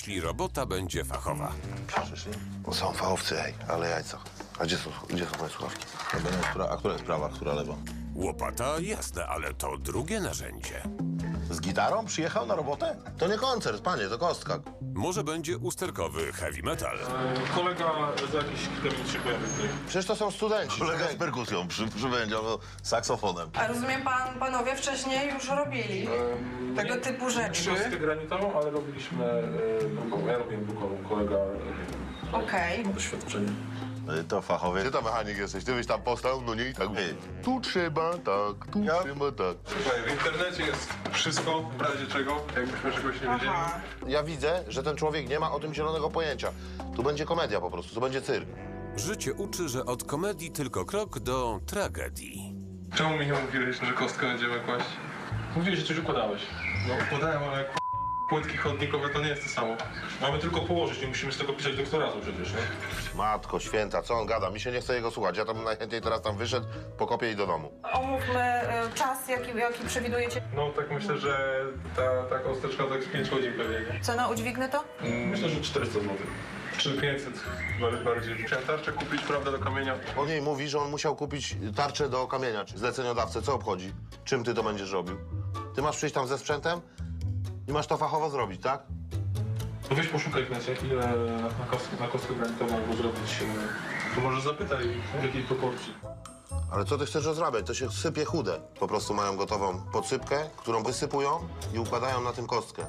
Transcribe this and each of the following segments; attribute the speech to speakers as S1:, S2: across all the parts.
S1: jeśli robota będzie fachowa.
S2: Przyszli? Bo są fachowcy, ej, ale jajca. A gdzie są moje słuchawki?
S3: A która jest prawa, która lewa?
S1: Łopata jasne, ale to drugie narzędzie.
S2: Z gitarą przyjechał na robotę? To nie koncert, panie, to kostka.
S1: Może będzie usterkowy heavy metal.
S4: Kolega za jakiś termin się pojawi tutaj.
S2: Przecież to są studenci.
S3: Kolega z perkusją przybędzie, saksofonem.
S5: A rozumiem, panowie wcześniej już robili tego typu rzeczy.
S4: Nie kostkę granitową, ale robiliśmy brukową. Ja robiłem brukową, kolega
S5: Okej.
S4: ma doświadczenie.
S3: To fachowie.
S2: Ty to mechanik jesteś, ty byś tam postał, no nie i tak. Tu trzeba tak, tu trzeba tak.
S4: Słuchaj, w internecie jest wszystko, w razie czego, jakbyśmy czegoś nie wiedzieli.
S5: Aha.
S2: Ja widzę, że ten człowiek nie ma o tym zielonego pojęcia. Tu będzie komedia po prostu, tu będzie cyrk.
S1: Życie uczy, że od komedii tylko krok do tragedii.
S4: Czemu mi nie mówiłeś, że kostkę będziemy kłaść? Mówiłeś, że coś układałeś. No układałem, ale płytki chodnikowe to nie jest to samo. Mamy tylko położyć, nie musimy z tego pisać doktoratu przecież, nie?
S2: Matko święta, co on gada? Mi się nie chce jego słuchać. Ja tam najchętniej teraz tam wyszedł, pokopię i do domu.
S5: Omówmy czas, jaki przewidujecie.
S4: No tak myślę, że ta kosteczka tak z 5 godzin pewnie, nie?
S5: Cena udźwignę to?
S4: Myślę, że 400 zł. Czy 500 bardziej. Musiałem tarczę kupić, prawda, do kamienia.
S2: On jej mówi, że on musiał kupić tarczę do kamienia, czy zleceniodawcę. Co obchodzi? Czym ty to będziesz robił? Ty masz przyjść tam ze sprzętem i masz to fachowo zrobić, tak?
S4: To weź poszukaj w necie, ile na kostkę granitową albo zrobić. To może zapytaj, w jakiej proporcji.
S2: Ale co ty chcesz rozrabiać? To się sypie chude. Po prostu mają gotową podsypkę, którą wysypują i układają na tym kostkę.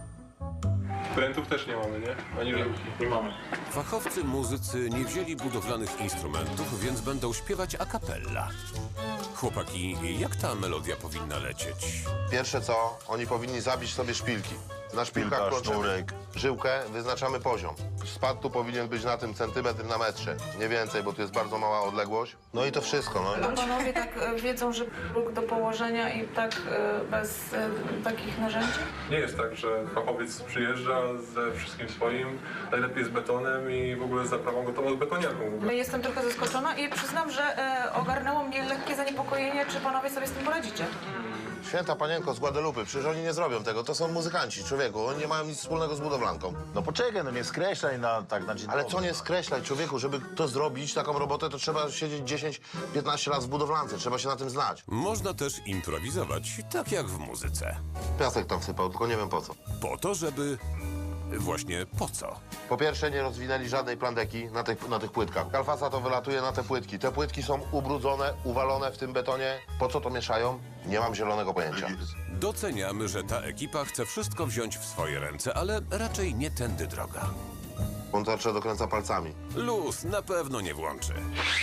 S4: Prętów też nie mamy, nie? Ani żarówki. Nie mamy.
S1: Fachowcy muzycy nie wzięli budowlanych instrumentów, więc będą śpiewać a cappella. Chłopaki, jak ta melodia powinna lecieć?
S2: Pierwsze co, oni powinni zabić sobie szpilki. Na szpilkach
S3: Szpilka,
S2: klączemy
S3: sznurek.
S2: żyłkę, wyznaczamy poziom. Spad tu powinien być na tym centymetr na metrze. Nie więcej, bo tu jest bardzo mała odległość. No i to wszystko, no.
S5: A panowie tak wiedzą, że próg do położenia i tak bez takich narzędzi?
S4: Nie jest tak, że fachowiec przyjeżdża ze wszystkim swoim, najlepiej z betonem i w ogóle z zaprawą gotową z betoniarką.
S5: Jestem trochę zaskoczona i przyznam, że ogarnęło mnie lekkie zaniepokojenie, czy panowie sobie z tym poradzicie.
S2: Święta panienko z Guadalupe, przecież oni nie zrobią tego. To są muzykanci, człowieku. Oni nie mają nic wspólnego z budowlanką.
S3: No poczekaj, no nie skreślaj na dzień
S2: Ale
S3: dobry.
S2: co nie skreślać, człowieku, żeby to zrobić, taką robotę, to trzeba siedzieć 10-15 lat w budowlance. Trzeba się na tym znać.
S1: Można też improwizować, tak jak w muzyce.
S2: Piasek tam sypał, tylko nie wiem po co.
S1: Po to, żeby... Właśnie po co?
S2: Po pierwsze, nie rozwinęli żadnej plandeki na tych płytkach. Kalfasa to wylatuje na te płytki. Te płytki są ubrudzone, uwalone w tym betonie. Po co to mieszają? Nie mam zielonego pojęcia.
S1: Doceniamy, że ta ekipa chce wszystko wziąć w swoje ręce, ale raczej nie tędy droga.
S2: On tarczę dokręca palcami.
S1: Luz na pewno nie włączy.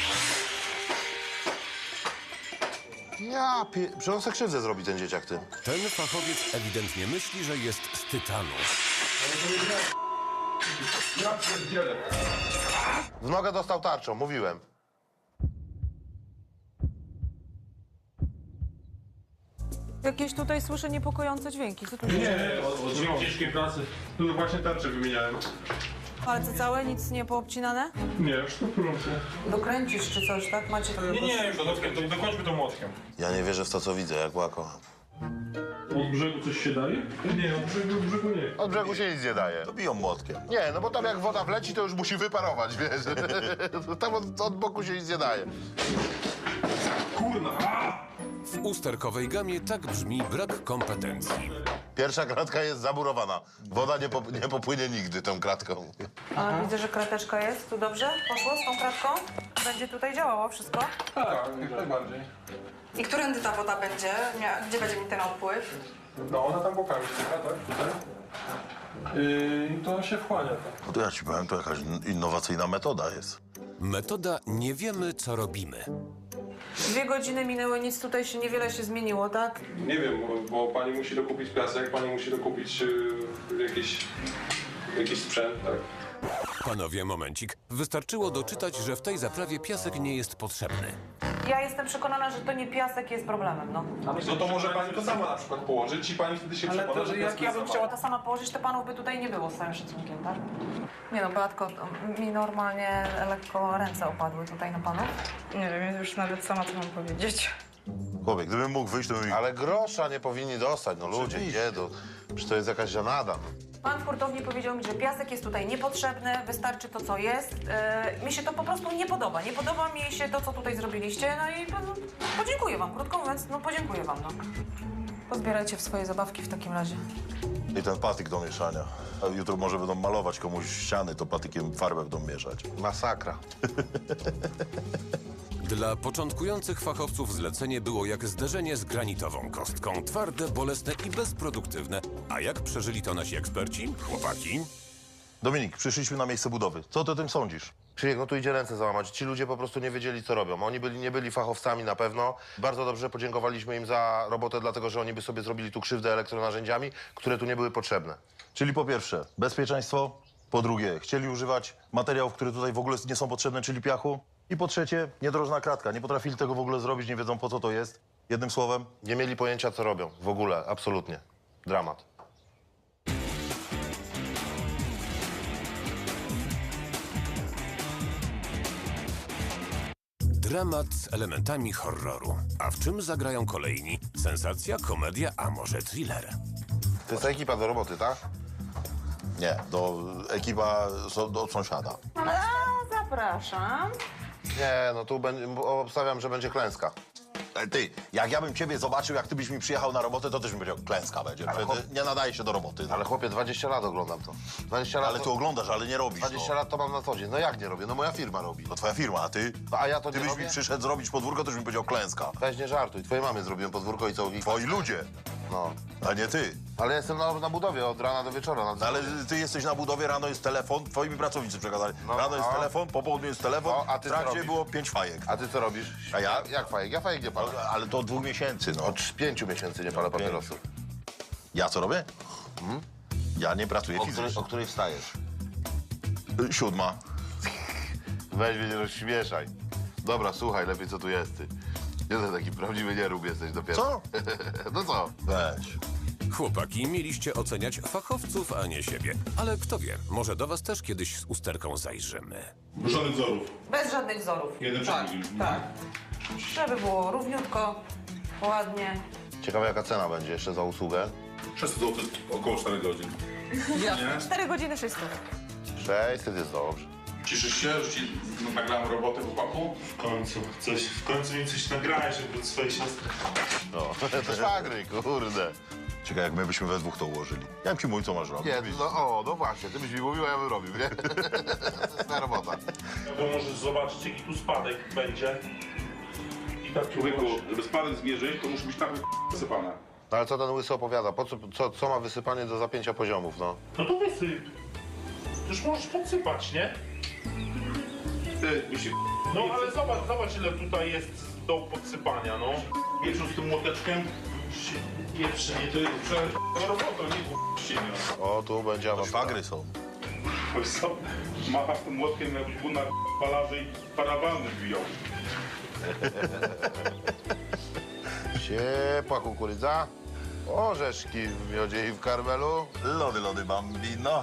S2: Przecież on se krzywdę zrobi, ten dzieciak, ty.
S1: Ten fachowiec ewidentnie myśli, że jest z tytanu.
S4: Ja pierdzielę.
S2: W nogę dostał tarczą, mówiłem.
S6: Jakieś tutaj słyszę niepokojące dźwięki. Co tu się dzieje?
S4: Nie, od ciężkiej pracy. Tu właśnie tarczę wymieniałem.
S6: Palce całe, nic nie poobcinane?
S4: Nie, już to proszę.
S6: Dokręcisz czy coś, tak? Macie to
S4: Nie, już dokończmy to młotkiem.
S2: Ja nie wierzę w to, co widzę, jak łako.
S4: Od brzegu coś się daje? Nie, od brzegu nie.
S2: Od brzegu się nic nie daje.
S3: To biją młotkiem.
S2: Nie, no bo tam jak woda wleci, to już musi wyparować, wiesz. Tam od boku się nic nie daje.
S4: Kurna!
S1: W usterkowej gamie tak brzmi brak kompetencji.
S2: Pierwsza kratka jest zamurowana. Woda nie popłynie nigdy tą kratką.
S6: A widzę, że krateczka jest. Tu dobrze? Poszło z tą kratką? Będzie tutaj działało wszystko?
S4: Tak, jak najbardziej.
S5: I którędy ta woda będzie? Gdzie będzie mi ten odpływ?
S4: No, ona tam bokami styka, tak? Tutaj. I to się wchłania.
S3: No to ja ci powiem, to jakaś innowacyjna metoda jest.
S1: Metoda nie wiemy, co robimy.
S6: 2 godziny minęły, nic tutaj się niewiele się zmieniło, tak?
S4: Nie wiem, bo pani musi dokupić piasek, pani musi dokupić jakiś sprzęt, tak?
S1: Panowie, momencik. Wystarczyło doczytać, że w tej zaprawie piasek nie jest potrzebny.
S6: Ja jestem przekonana, że to nie piasek jest problemem, no.
S4: No to może pani to sama na przykład położyć i pani wtedy się przekona, że
S6: Jak ja bym chciała to sama położyć, to panów by tutaj nie było, z całym szacunkiem, tak? Nie no, Beatko, to mi normalnie lekko ręce opadły tutaj na panów.
S5: Nie wiem, już nawet sama co mam powiedzieć.
S3: Chłopie, gdybym mógł wyjść, to bym...
S2: Ale grosza nie powinni dostać, no ludzie,
S3: Oczywiście.
S2: gdzie to? Przecież to jest jakaś żenada. No.
S6: Pan w hurtowni powiedział mi, że piasek jest tutaj niepotrzebny, wystarczy to, co jest. Mi się to po prostu nie podoba. Nie podoba mi się to, co tutaj zrobiliście, no i podziękuję wam. Krótko mówiąc, no podziękuję wam, no. Pozbierajcie w swoje zabawki w takim razie.
S3: I ten patyk do mieszania. A jutro może będą malować komuś ściany, to patykiem farbę będą mieszać.
S2: Masakra.
S1: Dla początkujących fachowców zlecenie było jak zderzenie z granitową kostką. Twarde, bolesne i bezproduktywne. A jak przeżyli to nasi eksperci? Chłopaki?
S3: Dominik, przyszliśmy na miejsce budowy. Co ty o tym sądzisz?
S2: Krzysiek, no tu idzie ręce załamać. Ci ludzie po prostu nie wiedzieli, co robią. Oni nie byli fachowcami na pewno. Bardzo dobrze podziękowaliśmy im za robotę, dlatego że oni by sobie zrobili tu krzywdę elektronarzędziami, które tu nie były potrzebne.
S3: Czyli po pierwsze, bezpieczeństwo. Po drugie, chcieli używać materiałów, które tutaj w ogóle nie są potrzebne, czyli piachu. I po trzecie, niedrożna kratka. Nie potrafili tego w ogóle zrobić, nie wiedzą, po co to jest. Jednym słowem,
S2: Nie mieli pojęcia, co robią. W ogóle, absolutnie. Dramat.
S1: Dramat z elementami horroru. A w czym zagrają kolejni? Sensacja, komedia, a może thriller?
S2: To jest ta ekipa do roboty, tak?
S3: nie, ekipa od sąsiada.
S6: Zapraszam.
S2: Nie, no tu obstawiam, że będzie klęska.
S3: Ty, jak ja bym ciebie zobaczył, jak ty byś mi przyjechał na robotę, to też bym powiedział, klęska będzie.
S2: Ale
S3: Ty nie nadaje się do roboty.
S2: Ale chłopie, 20 lat oglądam to. 20 lat
S3: Ale ty oglądasz, ale nie robisz.
S2: 20 lat to mam na co dzień. No jak nie robię? No moja firma robi.
S3: To twoja firma, a ty?
S2: A ja to
S3: Ty
S2: nie
S3: byś
S2: robię?
S3: mi przyszedł zrobić podwórko, to byś mi powiedział klęska.
S2: Weź nie żartuj. Twojej mamie zrobiłem podwórko i co?
S3: Twoi ludzie,
S2: No.
S3: a nie ty.
S2: Ale jestem na budowie od rana do wieczora.
S3: No, ale ty jesteś na budowie, rano jest telefon, twoi mi pracownicy przekazali. Rano jest telefon, po południu jest telefon,
S2: No, a ty
S3: w
S2: co
S3: trakcie
S2: robisz?
S3: było 5 fajek.
S2: A ty co robisz?
S3: A ja?
S2: Jak fajek? Ja fajek nie palę.
S3: Ale to od 2 miesięcy, no.
S2: Od 5 miesięcy nie palę papierosów.
S3: Ja co robię? Ja nie pracuję
S2: O
S3: fizycznie.
S2: której wstajesz?
S3: 7.
S2: Weź mnie nie rozśmieszaj. Dobra, słuchaj, lepiej co tu jest, ty. Jeden taki prawdziwy nierób jesteś dopiero.
S3: Co?
S2: No co?
S3: Weź.
S1: Chłopaki, mieliście oceniać fachowców, a nie siebie. Ale kto wie, może do was też kiedyś z usterką zajrzymy.
S4: Żadnych wzorów.
S6: Bez żadnych wzorów.
S4: Jeden
S6: tak,
S4: przed
S6: tak. Żeby było równiutko, ładnie.
S2: Ciekawe jaka cena będzie jeszcze za usługę.
S4: 600 zł, około 4 godzin.
S6: 4 godziny 600.
S2: 600 jest dobrze.
S4: Cieszysz się, że ci nagrałem robotę chłopaku?
S7: W końcu mi coś nagrałeś, żeby od swojej siostry.
S2: No, to szwagry, kurde.
S3: Ciekawe, jak my byśmy we dwóch to ułożyli. Ja bym ci mówił, co masz robić.
S2: Nie, no właśnie, ty byś mi mówił, a ja bym robił, nie? To jest moja robota.
S7: To możesz zobaczyć, jaki tu spadek będzie. I tak
S8: Człowieku, żeby spadek zmierzyć, to musi być tak wysypane.
S2: No ale co ten łysy opowiada? Co ma wysypanie do zapięcia poziomów, no?
S7: No to wysyp. Już możesz podsypać, nie?
S8: Ty, mi się
S7: No ale zobacz ile tutaj jest do podsypania, no.
S8: pieprzu z tym młoteczkiem.
S7: Pierwszy, nie, to jest
S8: Robota, nie ściemia.
S2: O, tu będzie
S3: To
S2: awantura.
S3: szwagry są.
S8: Wiesz co, machasz tym młotkiem, jakbyś był na palaży i parawany wbijał.
S2: Ciepła kukurydza, orzeszki w miodzie i w karmelu.
S3: Lody, bambino.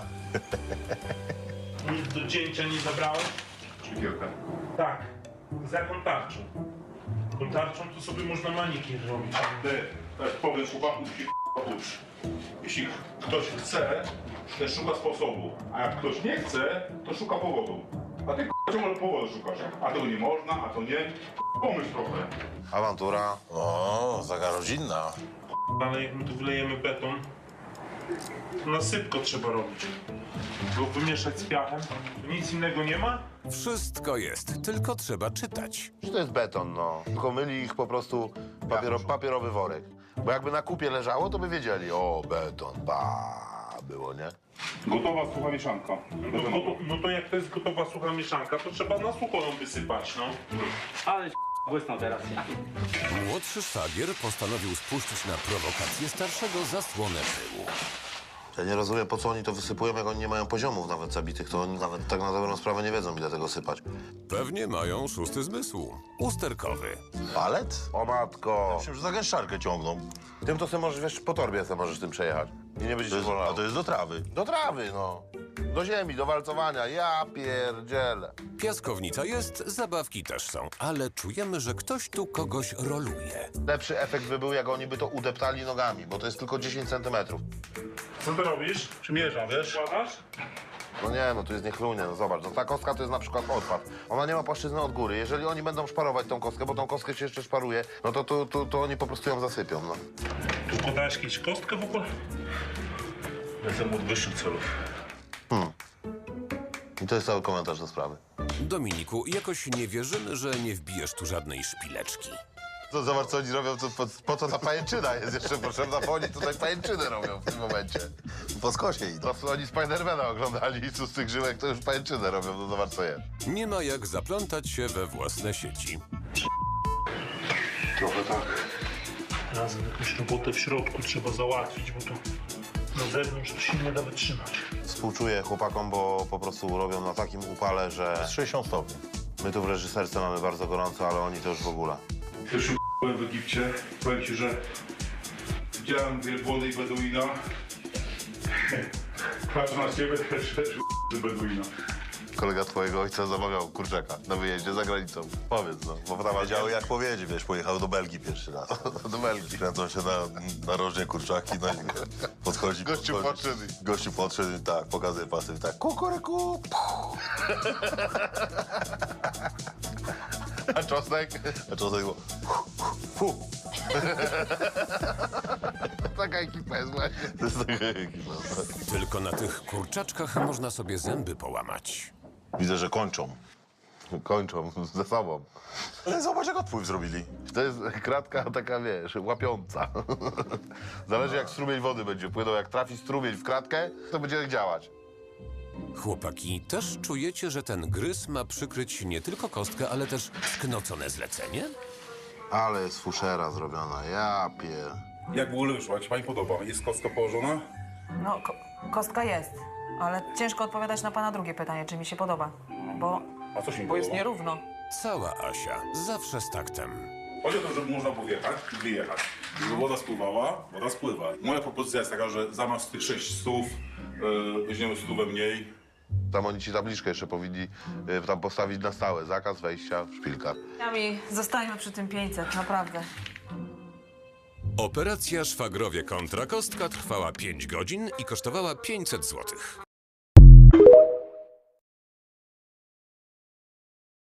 S7: Nic do cięcia nie zabrałeś?
S8: Szykierka.
S7: Tak. Z jaką tarczą? Tą tarczą to sobie można manikier robić.
S8: Ty, też powiem chłopaku, ci ucz. Jeśli ktoś chce, to szuka sposobu. A jak ktoś nie chce, to szuka powodu. A ty ciągle powodu szukasz. A tego nie można, a to nie. Pomyśl trochę.
S2: Awantura.
S3: O, zaga rodzinna.
S7: Ale jak my tu wylejemy beton, to na sypko trzeba robić. Go wymieszać z piachem. Nic innego nie ma?
S1: Wszystko jest, tylko trzeba czytać.
S2: Że to jest beton, no. Tylko myli ich po prostu papierowy worek. Bo jakby na kupie leżało, to by wiedzieli, o, beton, było, nie?
S8: Gotowa sucha mieszanka.
S7: No to jak to jest gotowa sucha mieszanka, to trzeba na sucho ją wysypać, no.
S9: Ale błysnął teraz.
S1: Młodszy szwagier postanowił spuścić na prowokację starszego zasłonę pyłu.
S2: Ja nie rozumiem, po co oni to wysypują, jak oni nie mają poziomów nawet zabitych, to oni nawet tak na dobrą sprawę nie wiedzą, ile tego sypać.
S1: Pewnie mają szósty zmysł. Usterkowy.
S3: Palet?
S2: O matko!
S3: Myślę, że za gęszczarkę ciągną.
S2: Tym to sobie możesz, wiesz, po torbie sobie możesz tym przejechać. I nie będziecie bolało.
S3: A to jest do trawy.
S2: Do trawy, no. Do ziemi, do walcowania. Ja pierdzielę.
S1: Piaskownica jest, zabawki też są, ale czujemy, że ktoś tu kogoś roluje.
S2: Lepszy efekt by był, jak oni by to udeptali nogami, bo to jest tylko 10 centymetrów.
S7: Co ty robisz?
S8: Przymierzam, wiesz?
S7: Kładasz?
S2: No nie, no tu jest niechlujnie, no zobacz. No ta kostka to jest na przykład odpad. Ona nie ma płaszczyzny od góry. Jeżeli oni będą szparować tą kostkę, bo tą kostkę się jeszcze szparuje, no to oni po prostu ją zasypią, no.
S7: Tu podałeś kiedyś kostkę w ogóle? Jestem od wyższych celów.
S2: I to jest cały komentarz do sprawy.
S1: Dominiku, jakoś nie wierzymy, że nie wbijesz tu żadnej szpileczki.
S2: To zobacz, co oni robią, po co ta pajęczyna jest jeszcze potrzebna, bo oni tutaj pajęczynę robią w tym momencie.
S3: Po skosie idą.
S2: To oni Spidermana oglądali i z tych żyłek to już pajęczynę robią, no zobacz co jest.
S1: Nie ma jak zaplątać się we własne sieci.
S7: Trochę tak. Razem jakąś robotę w środku trzeba załatwić, bo to na zewnątrz to się nie da wytrzymać.
S2: Współczuję chłopakom, bo po prostu robią na takim upale, że
S3: 60 stopni.
S2: my tu w reżyserce mamy bardzo gorąco, ale oni to już w ogóle.
S8: Pierwszy byłem w Egipcie. Powiem ci, że widziałem wielbłądy i beduina. Patrzę na ciebie, też beduina.
S2: Kolega twojego ojca zamawiał kurczaka na wyjeździe za granicą. Powiedz, no. Bo tam
S3: Wiedziały jak powiedzieć, wiesz, pojechał do Belgii pierwszy raz.
S2: do Belgii.
S3: Kręcą się na rożnie kurczaki, no i podchodzi.
S2: Gościu podszedł.
S3: Gościu podszedł i tak, pokazuje pasy i tak, kukuryku.
S2: A czosnek?
S3: A czasem było,
S2: Taka ekipa jest właśnie.
S3: to jest taka ekipa.
S1: Tylko na tych kurczaczkach można sobie zęby połamać.
S3: Widzę, że kończą.
S2: Kończą ze sobą.
S3: Ale zobacz, jak odpływ zrobili.
S2: To jest kratka taka, wiesz, łapiąca. Zależy jak strumień wody będzie płynął. Jak trafi strumień w kratkę, to będzie działać.
S1: Chłopaki, też czujecie, że ten gryz ma przykryć nie tylko kostkę, ale też sknocone zlecenie?
S2: Ale jest fuszera zrobiona, ja pier...
S8: Jak w ogóle wyszło? Jak się pani podoba? Jest kostka położona?
S6: No, kostka jest, ale ciężko odpowiadać na pana drugie pytanie, czy mi się podoba, bo
S8: A co się mi
S6: jest
S8: podoba?
S6: nierówno.
S1: Cała Asia, zawsze z taktem.
S8: Chodzi o to, żeby można było wjechać i wyjechać. Żeby woda spływała, woda spływa. Moja propozycja jest taka, że zamiast tych 6 stów weźmiemy 100 mniej.
S2: Tam oni ci tabliczkę jeszcze powinni tam postawić na stałe. Zakaz wejścia w szpilkach.
S6: Nami zostańmy przy tym 500, naprawdę.
S1: Operacja Szwagrowie kontra Kostka trwała 5 godzin i kosztowała 500 zł.